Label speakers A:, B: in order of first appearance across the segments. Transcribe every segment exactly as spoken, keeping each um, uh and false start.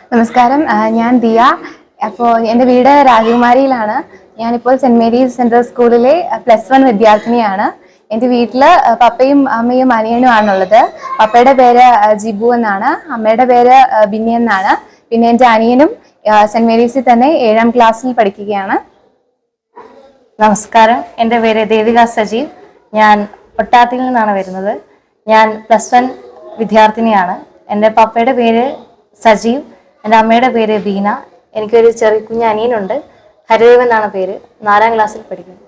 A: നമസ്കാരം, ഞാൻ ദിയ. അപ്പോൾ എൻ്റെ വീട് രാജകുമാരിയിലാണ്. ഞാനിപ്പോൾ സെന്റ് മേരീസ് സെൻട്രൽ സ്കൂളിലെ പ്ലസ് വൺ വിദ്യാർത്ഥിനിയാണ്. എൻ്റെ വീട്ടിൽ പപ്പയും അമ്മയും അനിയനും ആണുള്ളത്. പപ്പയുടെ പേര് ജിബു എന്നാണ്, അമ്മയുടെ പേര് ബിന്നി എന്നാണ്. പിന്നെ എൻ്റെ അനിയനും സെന്റ് മേരീസിൽ തന്നെ ഏഴാം ക്ലാസ്സിൽ പഠിക്കുകയാണ്.
B: നമസ്കാരം, എൻ്റെ പേര് ദേവിക സജീവ്. ഞാൻ ഒട്ടാത്തിൽ നിന്നാണ് വരുന്നത്. ഞാൻ പ്ലസ് വൺ വിദ്യാർത്ഥിനിയാണ്. എൻ്റെ പപ്പയുടെ പേര് സജീവ്, എൻ്റെ അമ്മയുടെ പേര് ബീന. എനിക്കൊരു ചെറിയ കുഞ്ഞ് അനിയനുണ്ട്, ഹരിദേവ് എന്നാണ് പേര്. നാലാം ക്ലാസ്സിൽ പഠിക്കുന്നു.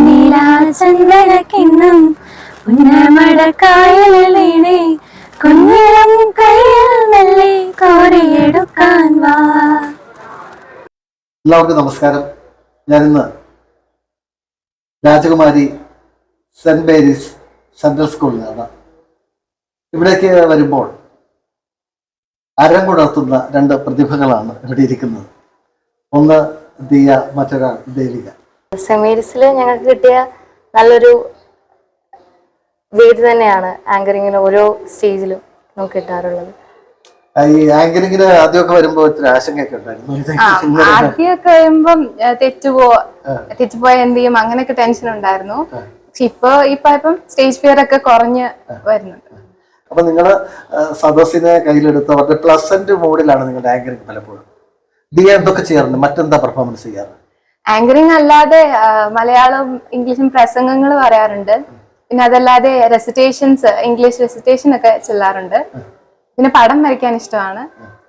C: എല്ലാവർക്കും നമസ്കാരം. ഞാനിന്ന് രാജകുമാരി സെന്റ് മേരീസ് സെൻട്രൽ സ്കൂളിലാണ്. ഇവിടേക്ക് വരുമ്പോൾ അരങ്ങുണർത്തുന്ന രണ്ട് പ്രതിഭകളാണ് ഇവിടെ ഇരിക്കുന്നത്. ഒന്ന് ദിയ, മറ്റൊരാൾ ദേവിക.
B: സെന്റ് മേരീസിൽ ഞങ്ങൾക്ക് കിട്ടിയ നല്ലൊരു വേദി തന്നെയാണ് ആങ്കറിങ്ങിന് ഓരോ സ്റ്റേജിലും നമുക്ക് കിട്ടാറുള്ളത്.
C: ഈ ആങ്കറിങ്ങിന് ആദ്യമൊക്കെ വരുമ്പോൾ ഇത്തിരി ആശങ്കയൊക്കെ ഉണ്ടായിരുന്നു.
A: ആദ്യമൊക്കെ വരുമ്പം തെറ്റുപോ തെറ്റുപോയ എന്ത് ചെയ്യും അങ്ങനെയൊക്കെ ടെൻഷൻ ഉണ്ടായിരുന്നു. പക്ഷെ ഇപ്പൊ ഇപ്പൊ ഇപ്പം സ്റ്റേജ് ഫിയർ ഒക്കെ കുറഞ്ഞ് വരുന്നുണ്ട്.
C: അപ്പൊ നിങ്ങള് സദസ്സിനെ കയ്യിലെടുത്ത് അവരുടെ പ്ലസന്റ് മോഡിലാണ് നിങ്ങളുടെ ആങ്കറിങ്. പലപ്പോഴും ദിയ എന്തൊക്കെ ചെയ്യാറുണ്ട്? മറ്റെന്താ പെർഫോമൻസ് ചെയ്യാറ്?
A: ആങ്കറിങ് അല്ലാതെ മലയാളം ഇംഗ്ലീഷും പ്രസംഗങ്ങൾ പറയാറുണ്ട്. പിന്നെ അതല്ലാതെ റെസിറ്റേഷൻസ്, ഇംഗ്ലീഷ് റെസിറ്റേഷൻ ഒക്കെ ചെല്ലാറുണ്ട്. പിന്നെ പടം വരയ്ക്കാൻ ഇഷ്ടമാണ്.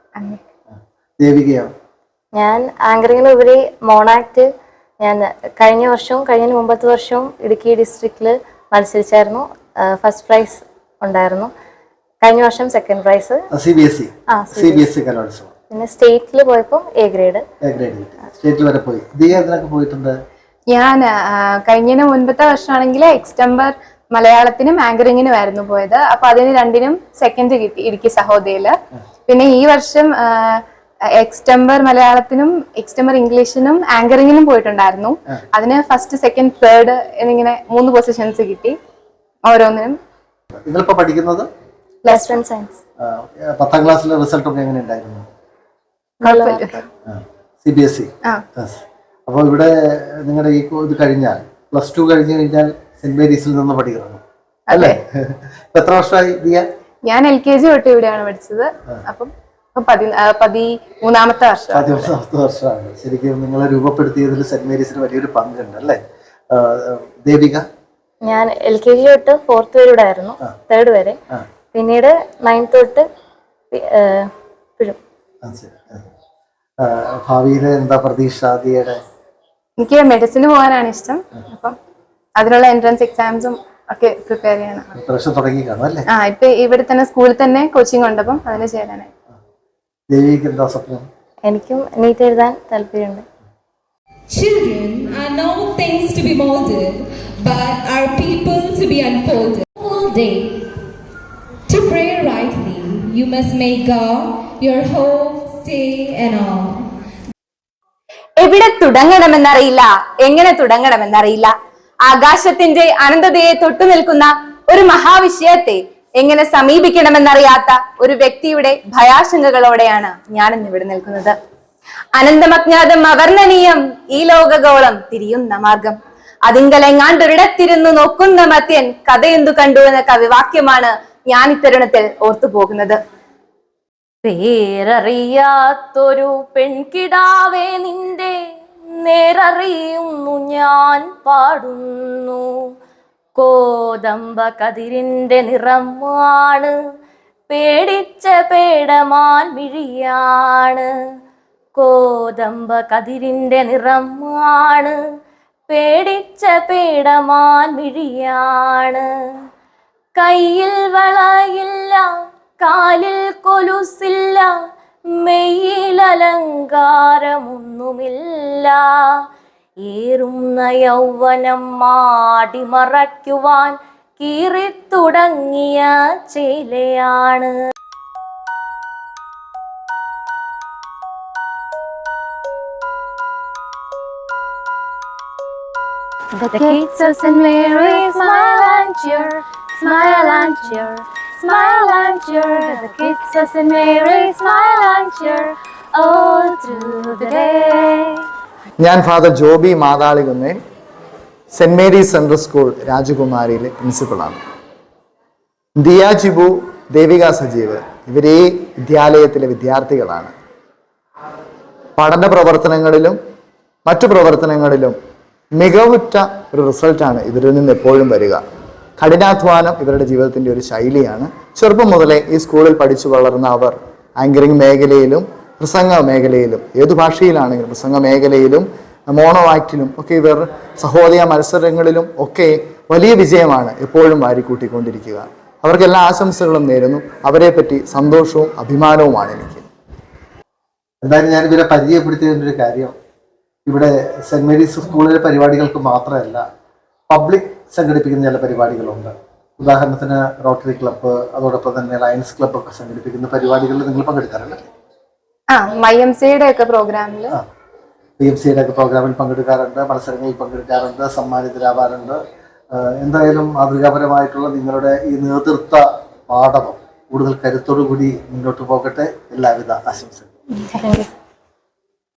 B: ഞാൻ ആങ്കറിങ്ങിന് ഉപരി മോണാക്ട് ഞാൻ കഴിഞ്ഞ വർഷവും കഴിഞ്ഞ മുമ്പത്തെ വർഷവും ഇടുക്കി ഡിസ്ട്രിക്റ്റിൽ മത്സരിച്ചായിരുന്നു. ഫസ്റ്റ് പ്രൈസ് ഉണ്ടായിരുന്നു. കഴിഞ്ഞ വർഷം second prize.
C: C B S E കലോത്സവം.
B: പിന്നെ സ്റ്റേറ്റിൽ പോയപ്പോൾ എ ഗ്രേഡ്.
C: സ്റ്റേറ്റിൽ വരെ പോയി. ദിയ ഇതിനൊക്കെ പോയിട്ടുണ്ട്.
A: ഞാൻ കഴിഞ്ഞതിന് മുൻപത്തെ വർഷമാണെങ്കിൽ എക്സ്റ്റംബർ മലയാളത്തിനും ആങ്കറിങ്ങിനും ആയിരുന്നു പോയത്. അപ്പൊ അതിന് രണ്ടിനും സെക്കൻഡ് കിട്ടി ഇടുക്കി സഹോദയില്. പിന്നെ ഈ വർഷം എക്സ്റ്റംബർ മലയാളത്തിനും എക്സ്റ്റംബർ ഇംഗ്ലീഷിനും ആങ്കറിങ്ങിനും പോയിട്ടുണ്ടായിരുന്നു. അതിന് ഫസ്റ്റ്, സെക്കൻഡ്, തേർഡ് എന്നിങ്ങനെ മൂന്ന് പൊസിഷൻസ് കിട്ടി ഓരോന്നിനും.
C: നിങ്ങളിപ്പോ പഠിക്കുന്നത്
B: പ്ലസ് വൺ സയൻസ്.
C: പത്താം ക്ലാസ്സിലെ റിസൾട്ട് ഒക്കെ എങ്ങനെ ഉണ്ടായിരുന്നു? C B S E. അപ്പൊ ഇവിടെ നിങ്ങളുടെ ഈ ഇത് കഴിഞ്ഞാൽ പ്ലസ് ടു കഴിഞ്ഞു കഴിഞ്ഞാൽ സെന്റ് മേരീസിൽ നിന്ന് പഠിക്കുന്നു അല്ലേ? എത്ര വർഷമായി ദിയ?
A: ഞാൻ എൽ കെ ജി തൊട്ട് ഇവിടെയാണ് പഠിച്ചത്. അപ്പം പതിമൂന്നാമത്തെ വർഷം
C: പതിമൂന്നാമത്തെ വർഷമാണ്. ശരിക്കും നിങ്ങളെ രൂപപ്പെടുത്തിയതിൽ സെന്റ് മേരീസിന് വലിയൊരു പങ്കുണ്ട് അല്ലേ ദേവിക?
B: ഞാൻ എൽ കെ ജി തൊട്ട് ഫോർത്ത് വരെ ഇവിടെ ആയിരുന്നു, തേർഡ് വരെ. പിന്നീട് നയൻത് തൊട്ട്
C: ഭാവിയിലെ എന്താ പ്രതീക്ഷ ദിയയുടെ?
A: എനിക്ക് മെഡിസിന് പോകാനാണ് ഇഷ്ടം. അപ്പം അതിനുള്ള എൻട്രൻസ് എക്സാംസും ഒക്കെ പ്രിപ്പയർ ചെയ്യണം.
C: തുടങ്ങി കാണും അല്ലേ?
A: ആ ഇപ്പൊ ഇവിടെ തന്നെ സ്കൂളിൽ തന്നെ കോച്ചിങ് ഉണ്ട്. അപ്പം അതിന് ചേരാനായി.
C: ദേവിക്ക് എന്താ സ്വപ്നം?
B: എനിക്കും നീറ്റ് എഴുതാൻ താല്പര്യമുണ്ട്.
D: Children are not things to be molded, but are people to be unfolded. All day, to pray rightly, you must make God your hope, stay and all.
E: എവിടെ തുടങ്ങണമെന്നറിയില്ല, എങ്ങനെ തുടങ്ങണമെന്നറിയില്ല. ആകാശത്തിന്റെ അനന്തതയെ തൊട്ടു നിൽക്കുന്ന ഒരു മഹാവിഷയത്തെ എങ്ങനെ സമീപിക്കണമെന്നറിയാത്ത ഒരു വ്യക്തിയുടെ ഭയാശങ്കകളോടെയാണ് ഞാൻ ഇന്ന് ഇവിടെ നിൽക്കുന്നത്. അനന്തമജ്ഞാതം അവർണ്ണനീയം ഈ ലോകഗോളം തിരിയുന്ന മാർഗം, അതിങ്കലെങ്ങാണ്ടൊരിടത്തിരുന്നു നോക്കുന്ന മത്യൻ കഥയെന്തു കണ്ടു എന്ന കവിവാക്യമാണ് ഞാൻ ഇത്തരുണത്തിൽ ഓർത്തു പോകുന്നത്.
B: പേരറിയാത്തൊരു പെൺകിടാവേ നിന്റെ നേരറിയുന്നു ഞാൻ പാടുന്നു. കോതമ്പ കതിരിന്റെ നിറമാണ്, പേടിച്ച പേടമാൻ മിഴിയാണ്. കോതമ്പ കതിരിന്റെ നിറമാണ്, പേടിച്ച പേടമാൻ മിഴിയാണ്. കയ്യിൽ വളയില്ല, കാലിൽ കൊലുസില്ല, മെയ്യിൽ അലങ്കാരമൊന്നുമില്ല. ഏറുന്ന യൗവനം മാടിമറയ്ക്കുവാൻ കീറിത്തുടങ്ങിയ ചേലയാണ്.
E: The kids of Saint Mary smile and cheer, smile and cheer, smile and cheer. The kids of Saint Mary smile and cheer. all through the day.
F: ഞാൻ father Joby Mathalikunnel saint Mary's central school രാജകുമാരിയിലെ പ്രിൻസിപ്പളാണ്. ദിയ ജിബു, ദേവിക സജീവ് ഇവർ ഈ വിദ്യാലയത്തിലെ വിദ്യാർത്ഥികളാണ്. പഠന പ്രവർത്തനങ്ങളിലും മറ്റു പ്രവർത്തനങ്ങളിലും മികവുറ്റ ഒരു റിസൾട്ടാണ് ഇവരിൽ നിന്ന് എപ്പോഴും വരിക. കഠിനാധ്വാനം ഇവരുടെ ജീവിതത്തിൻ്റെ ഒരു ശൈലിയാണ്. ചെറുപ്പം മുതലേ ഈ സ്കൂളിൽ പഠിച്ചു വളർന്ന അവർ ആങ്കറിംഗ് മേഖലയിലും പ്രസംഗ മേഖലയിലും ഏതു ഭാഷയിലാണെങ്കിലും പ്രസംഗ മേഖലയിലും മോണോ ആക്ടിലും ഒക്കെ ഇവർ സഹോദയ മത്സരങ്ങളിലും ഒക്കെ വലിയ വിജയമാണ് എപ്പോഴും വാരിക്കൂട്ടിക്കൊണ്ടിരിക്കുക. അവർക്ക് എല്ലാ ആശംസകളും നേരുന്നു. അവരെ പറ്റി സന്തോഷവും അഭിമാനവുമാണ് എനിക്ക്.
C: എന്തായാലും ഞാൻ ഇവരെ പരിചയപ്പെടുത്തിയതിൻ്റെ ഒരു കാര്യം, ഇവിടെ സെൻറ് മേരീസ് സ്കൂളിലെ പരിപാടികൾക്ക് മാത്രമല്ല പബ്ലിക് സംഘടിപ്പിക്കുന്ന ചില പരിപാടികളുണ്ട്. ഉദാഹരണത്തിന് റോട്ടറി ക്ലബ്ബ്, അതോടൊപ്പം തന്നെ ലയൺസ് ക്ലബ്ബ് ഒക്കെ സംഘടിപ്പിക്കുന്ന പരിപാടികളിൽ നിങ്ങൾ പങ്കെടുക്കാറുണ്ട്?
A: ആ മൈ എം സിയുടെ ഒക്കെ പ്രോഗ്രാമിൽ
C: പി എം സിയുടെ ഒക്കെ പ്രോഗ്രാമിൽ പങ്കെടുക്കാറുണ്ട്, മത്സരങ്ങളിൽ പങ്കെടുക്കാറുണ്ട്, സമ്മാനിതരാവാറുണ്ട്. എന്തായാലും മാതൃകാപരമായിട്ടുള്ള നിങ്ങളുടെ ഈ നേതൃത്വ പാഠവും കൂടുതൽ കരുത്തോടു കൂടി മുന്നോട്ട് പോകട്ടെ. എല്ലാവിധ ആശംസകളും.